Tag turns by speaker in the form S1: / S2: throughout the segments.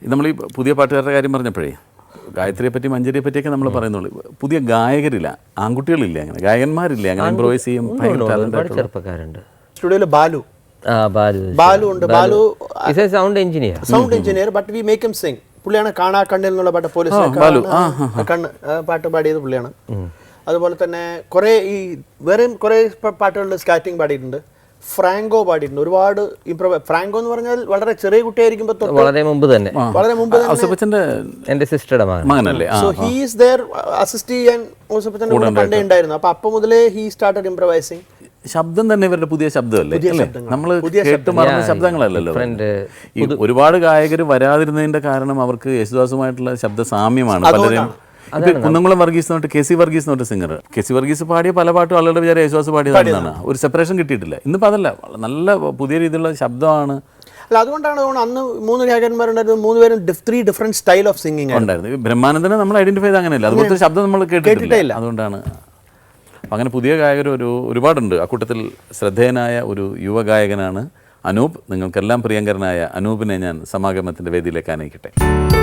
S1: നമ്മൾ ഈ പുതിയ പാട്ടുകാരുടെ കാര്യം പറഞ്ഞപ്പോഴേ ഗായത്രിയെ പറ്റി മഞ്ജരിയെ പറ്റിയൊക്കെ നമ്മൾ പറയുന്നുള്ളൂ. പുതിയ ഗായകരില്ല, ആൺകുട്ടികളില്ല, അങ്ങനെ ഗായകന്മാരില്ല, അങ്ങനെ ഇംപ്രൂവൈസ് ചെയ്യും.
S2: ചെറുപ്പക്കാരുണ്ട്.
S3: സ്റ്റുഡിയോയിലെ ബാലു ഉണ്ട്. Balu
S2: sound engineer but we make him sing. പുള്ളിയാണ് കാണാ കണ്ണിൽ എന്നുള്ള പാട്ട്, പോലീസ് കണ്ണ് പാട്ട് പാടിയത് പുള്ളിയാണ്. അതുപോലെ തന്നെ കുറെ ഈ വേറെയും കുറെ പാട്ടുകളുടെ സ്കാറ്റിംഗ് പാടിയിട്ടുണ്ട്. ഫ്രാങ്കോ പാടിയിട്ടുണ്ട് ഒരുപാട്. ഫ്രാങ്കോ എന്ന് പറഞ്ഞാൽ വളരെ ചെറിയ കുട്ടിയായിരിക്കുമ്പോൾ വളരെ മുമ്പ് തന്നെ എന്റെ സിസ്റ്ററുടെ
S1: മകനല്ലേ.
S3: So he is there assist ചെയ്യാൻ ഔസേപ്പച്ചന്റെ കൂടെ പണ്ടേ ഉണ്ടായിരുന്നു. അപ്പൊ മുതലേ ഹി സ്റ്റാർട്ടഡ് ഇംപ്രവൈസിങ്.
S1: ശബ്ദം തന്നെ ഇവരുടെ പുതിയ ശബ്ദമല്ലേ, നമ്മൾ കേട്ട് മറന്ന ശബ്ദങ്ങളല്ലല്ലോ. ഈ ഒരുപാട് ഗായകർ വരാതിരുന്നതിന്റെ കാരണം അവർക്ക് യേശുദാസുമായിട്ടുള്ള ശബ്ദ സാമ്യമാണ്. പലരും കുന്നംകുളം വർഗീസ് തൊട്ട് കെ സി വർഗീസ് തൊട്ട് സിംഗർ, കെ സി വർഗീസ് പാടിയ പല പാട്ടും ആളുകളുടെ വിചാരം യേശുദാസ് പാടിയതാണ്. ഒരു സെപ്പറേഷൻ കിട്ടിയിട്ടില്ല. ഇന്നിപ്പോൾ അതല്ല, നല്ല പുതിയ രീതിയിലുള്ള ശബ്ദമാണ്.
S3: അല്ല, അതുകൊണ്ടാണ് അന്ന് 3 ഗായകന്മാരുണ്ടായിരുന്നു. 3 പേരും 3 ഡിഫറെന്റ് സ്റ്റൈൽ ഓഫ് സിംഗിങ്
S1: ഉണ്ടായിരുന്നു. ബ്രഹ്മാനന്ദനെ നമ്മൾ ഐഡന്റിഫൈ ചെയ്ത് അങ്ങനെയല്ല, അതുപോലത്തെ ശബ്ദം നമ്മൾ കേട്ടിട്ടില്ല. അതുകൊണ്ടാണ് അങ്ങനെ പുതിയ ഗായകർ ഒരുപാടുണ്ട്. അക്കൂട്ടത്തിൽ ശ്രദ്ധേയനായ ഒരു യുവഗായകനാണ് അനൂപ്. നിങ്ങൾക്കെല്ലാം പ്രിയങ്കരനായ അനൂപിനെ ഞാൻ സമാഗമത്തിൻ്റെ വേദിയിലേക്ക് ആനയിക്കട്ടെ.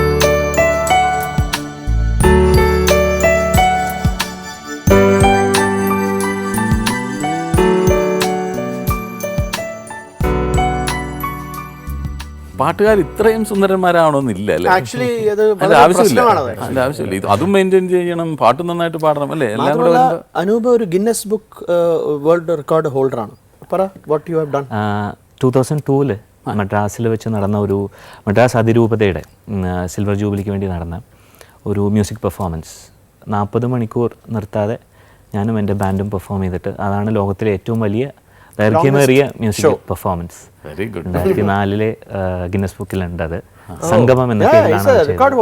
S1: പാട്ടുകാർ ഇത്രയും സുന്ദരന്മാരാവണമെന്നില്ല അല്ലേ? ആവശ്യമില്ല. അതും മെയിൻറ്റെയിൻ ചെയ്യണം, പാട്ട് നന്നായിട്ട് പാടണം അല്ലേ? എല്ലാം കൂടെ
S3: അനൂപ് ഒരു ഗിന്നസ് ബുക്ക് വേൾഡ് റെക്കോർഡ് ഹോൾഡറാണ്. പറ, വാട്ട് യു ഹാവ് ഡൺ.
S4: 2002 മദ്രാസിൽ വെച്ച് നടന്ന ഒരു മദ്രാസ് അതിരൂപതയുടെ സിൽവർ ജൂബിലിക്ക് വേണ്ടി നടന്ന ഒരു മ്യൂസിക് പെർഫോമൻസ് 40 മണിക്കൂർ നിർത്താതെ ഞാനും എൻ്റെ ബാൻഡും പെർഫോം ചെയ്തിട്ട്, അതാണ് ലോകത്തിലെ ഏറ്റവും വലിയ ദൈർഘ്യമേറിയ മ്യൂസിക് പെർഫോമൻസ്. 2004 ഗിന്നസ് ബുക്കിലുണ്ട്. അത് സംഗമം എന്ന പേരിലാണ്.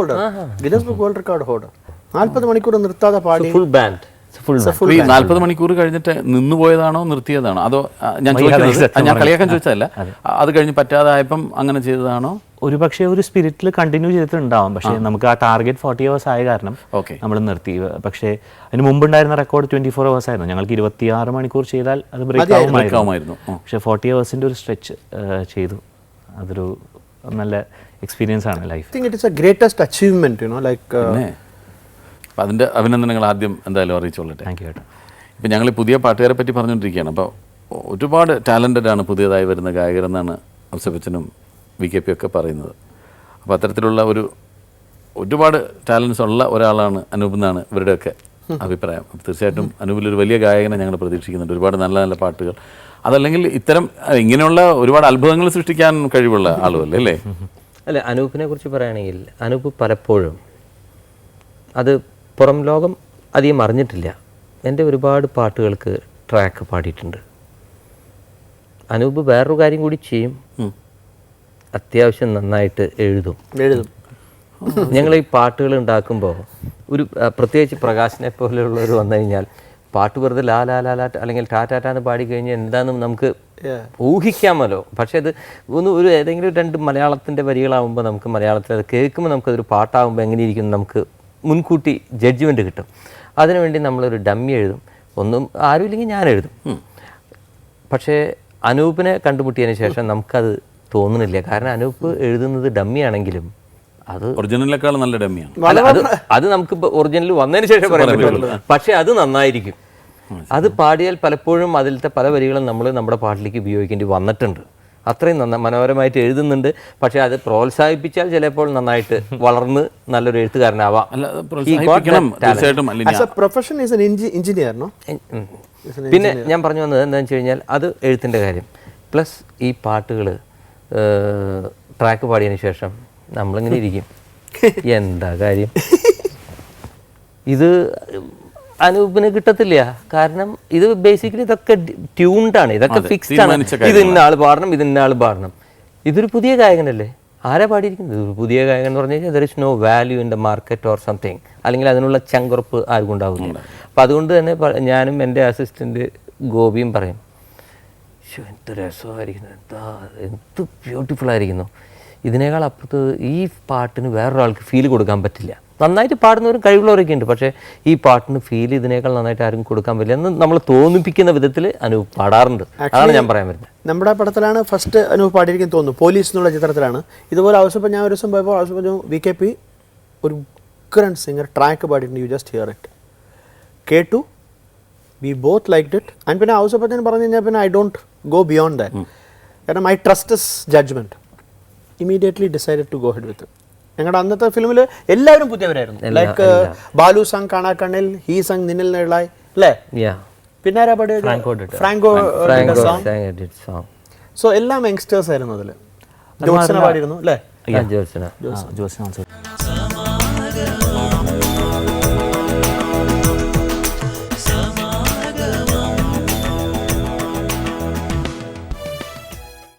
S3: 40 മണിക്കൂർ നിർത്താതെ പാടി
S2: ഫുൾ ബാൻഡ്.
S1: 40 മണിക്കൂർ കഴിഞ്ഞിട്ട് നിന്നുപോയതാണോ നിർത്തിയതാണോ? അതോ ഞാൻ കളിയാക്കാൻ ചോദിച്ചതല്ല, അത് കഴിഞ്ഞ് പറ്റാതായപ്പം അങ്ങനെ ചെയ്തതാണോ?
S4: ഒരു പക്ഷേ ഒരു സ്പിരിറ്റിൽ കണ്ടിന്യൂ ചെയ്തിട്ടുണ്ടാവും. പക്ഷേ നമുക്ക് ആ ടാർഗറ്റ് 40 hours ആയ കാരണം നമ്മൾ നിർത്തി. പക്ഷേ അതിന് മുമ്പുണ്ടായിരുന്ന റെക്കോർഡ് 24 hours ആയിരുന്നു. ഞങ്ങൾക്ക് 26 മണിക്കൂർ ചെയ്താൽ അത് ബ്രേക്ക് ആവുമായിരുന്നു. പക്ഷേ 40 hours ഒരു സ്ട്രെച്ച് ചെയ്തു. അതൊരു നല്ല എക്സ്പീരിയൻസ് ആണ് ലൈഫ്.
S3: Greatest achievement like.
S1: അതിൻ്റെ അഭിനന്ദനങ്ങൾ ആദ്യം എന്തായാലും അറിയിച്ചോളട്ടെ.
S4: Thank you.
S1: ഇപ്പം ഞങ്ങൾ പുതിയ പാട്ടുകാരെ പറ്റി പറഞ്ഞുകൊണ്ടിരിക്കുകയാണ്. അപ്പോൾ ഒരുപാട് ടാലൻറ്റഡ് ആണ് പുതിയതായി വരുന്ന ഗായകരെന്നാണ് ഔസേപ്പച്ചനും VKP ഒക്കെ പറയുന്നത്. അപ്പോൾ അത്തരത്തിലുള്ള ഒരുപാട് ടാലൻസ് ഉള്ള ഒരാളാണ് അനൂപ് എന്നാണ് ഇവരുടെയൊക്കെ അഭിപ്രായം. തീർച്ചയായിട്ടും അനൂപിലൊരു വലിയ ഗായകനെ ഞങ്ങൾ പ്രതീക്ഷിക്കുന്നുണ്ട്. ഒരുപാട് നല്ല നല്ല പാട്ടുകൾ, അതല്ലെങ്കിൽ ഇങ്ങനെയുള്ള ഒരുപാട് അത്ഭുതങ്ങൾ സൃഷ്ടിക്കാൻ കഴിവുള്ള ആളുമല്ലേ അല്ലേ?
S2: അല്ല, അനൂപിനെ കുറിച്ച് പറയുകയാണെങ്കിൽ അനൂപ് പലപ്പോഴും അത് പുറം ലോകം അധികം അറിഞ്ഞിട്ടില്ല. എൻ്റെ ഒരുപാട് പാട്ടുകൾക്ക് ട്രാക്ക് പാടിയിട്ടുണ്ട്. അനൂപ് വേറൊരു കാര്യം കൂടി ചെയ്യും, അത്യാവശ്യം നന്നായിട്ട് എഴുതും. ഞങ്ങൾ ഈ പാട്ടുകൾ ഉണ്ടാക്കുമ്പോൾ പ്രത്യേകിച്ച് പ്രകാശിനെ പോലെയുള്ളവർ വന്നു കഴിഞ്ഞാൽ പാട്ട് വെറുതെ ലാ ലാ ലാ ലാ അല്ലെങ്കിൽ ടാറ്റാറ്റാന്ന് പാടിക്കഴിഞ്ഞാൽ എന്താണെന്ന് നമുക്ക് ഊഹിക്കാമല്ലോ. പക്ഷേ അത് ഏതെങ്കിലും 2 മലയാളത്തിൻ്റെ വരികളാകുമ്പോൾ നമുക്ക് മലയാളത്തിൽ അത് കേൾക്കുമ്പോൾ നമുക്കതൊരു പാട്ടാകുമ്പോൾ എങ്ങനെയിരിക്കും നമുക്ക് മുൻകൂട്ടി ജഡ്ജ്മെൻറ്റ് കിട്ടും. അതിനുവേണ്ടി നമ്മളൊരു ഡമ്മി എഴുതും. ഒന്നും ആരുമില്ലെങ്കിൽ ഞാൻ എഴുതും. പക്ഷേ അനൂപിനെ കണ്ടുമുട്ടിയതിന് ശേഷം നമുക്കത് തോന്നുന്നില്ല. കാരണം അനൂപ് എഴുതുന്നത് ഡമ്മിയാണെങ്കിലും അത്
S1: ഒറിജിനലിനേക്കാൾ നല്ല ഡമ്മിയാണ്.
S2: അത് നമുക്ക് ഒറിജിനൽ വന്നതിന് ശേഷം പറയാൻ പറ്റുള്ളൂ. പക്ഷേ അത് നന്നായിരിക്കും. അത് പാടിയാൽ പലപ്പോഴും അതിലത്തെ പല വരികളും നമ്മൾ നമ്മുടെ പാട്ടിലേക്ക് ഉപയോഗിക്കേണ്ടി വന്നിട്ടുണ്ട്. അത്രയും മനോഹരമായിട്ട് എഴുതുന്നുണ്ട്. പക്ഷെ അത് പ്രോത്സാഹിപ്പിച്ചാൽ ചിലപ്പോൾ നന്നായിട്ട് വളർന്ന് നല്ലൊരു എഴുത്തുകാരനാവാം. പിന്നെ ഞാൻ പറഞ്ഞു വന്നത് എന്താണെന്ന് വെച്ച് കഴിഞ്ഞാൽ അത് എഴുത്തിൻ്റെ കാര്യം പ്ലസ് ഈ പാട്ടുകൾ ട്രാക്ക് പാടിയതിന് ശേഷം നമ്മളിങ്ങനെ ഇരിക്കും, എന്താ കാര്യം, ഇത് അനൂപിന് കിട്ടത്തില്ല. കാരണം ഇത് ബേസിക്കലി ഇതൊക്കെ ട്യൂൺഡാണ്, ഇതൊക്കെ ഫിക്സ്ഡ് ആണ്. ഇത് ഇന്ന ആൾ പാടണം, ഇത് ഇന്ന ആൾ പാടണം. ഇതൊരു പുതിയ ഗായകനല്ലേ, ആരാ പാടിയിരിക്കുന്നത്? ഒരു പുതിയ ഗായകൻ എന്ന് പറഞ്ഞു കഴിഞ്ഞാൽ there is no value in the market or something, അല്ലെങ്കിൽ അതിനുള്ള ചങ്കുറപ്പ് ആർക്കും ഉണ്ടാകുന്നില്ല. അപ്പം അതുകൊണ്ട് തന്നെ ഞാനും എൻ്റെ അസിസ്റ്റൻറ്റ് ഗോപിയും പറയും, എന്ത് രസമായിരിക്കുന്നു, എന്ത് ബ്യൂട്ടിഫുൾ ആയിരിക്കുന്നു, ഇതിനേക്കാൾ അപ്പുറത്ത് ഈ പാട്ടിന് വേറൊരാൾക്ക് ഫീൽ കൊടുക്കാൻ പറ്റില്ല. നന്നായിട്ട് പാടുന്നവരും കഴിവുള്ളവരൊക്കെ ഉണ്ട്. പക്ഷേ ഈ പാട്ടിന് ഫീൽ ഇതിനേക്കാൾ നന്നായിട്ട് ആരും കൊടുക്കാൻ പറ്റില്ല എന്ന് നമ്മൾ തോന്നിപ്പിക്കുന്ന വിധത്തിൽ അനൂപ് പാടാറുണ്ട്. അതാണ് ഞാൻ പറയാൻ വരുന്നത്.
S3: നമ്മുടെ പടത്തിലാണ് ഫസ്റ്റ് അനൂപ് പാടിയിരിക്കും തോന്നുന്നു, പോലീസ് എന്നുള്ള ചിത്രത്തിലാണ്. ഇതുപോലെ ആവശ്യപ്പോൾ ഞാൻ ഒരു ദിവസം പോയപ്പോൾ ആവശ്യപ്പോൾ VKP ഒരു ഉഗ്രൻ സിംഗർ ട്രാക്ക് പാടിയിട്ടുണ്ട്. You just hear it. കേട്ടു, we both liked it. And പിന്നെ ആവശ്യപ്പത്തിന് പറഞ്ഞു കഴിഞ്ഞാൽ പിന്നെ I don't go beyond that. കാരണം I trust his judgement. Immediately decided to go head with. ഞങ്ങളുടെ അന്നത്തെ ഫിലിമിൽ എല്ലാവരും പുതിയവരായിരുന്നു. ലൈക്ക് ബാലു സങ് കാണാ കണ്ണിൽ, ഹീ സങ് നിന്നിൽ നിഴലായി അല്ലേ, പിന്നെ ആരാ പാടിയത്, ഫ്രാങ്കോ സോങ്. സോ എല്ലാം യങ്സ്റ്റേഴ്സ് ആയിരുന്നു അതിൽ. ജോത്സന പാടിയിരുന്നു അല്ലേ,
S4: ജോത്സന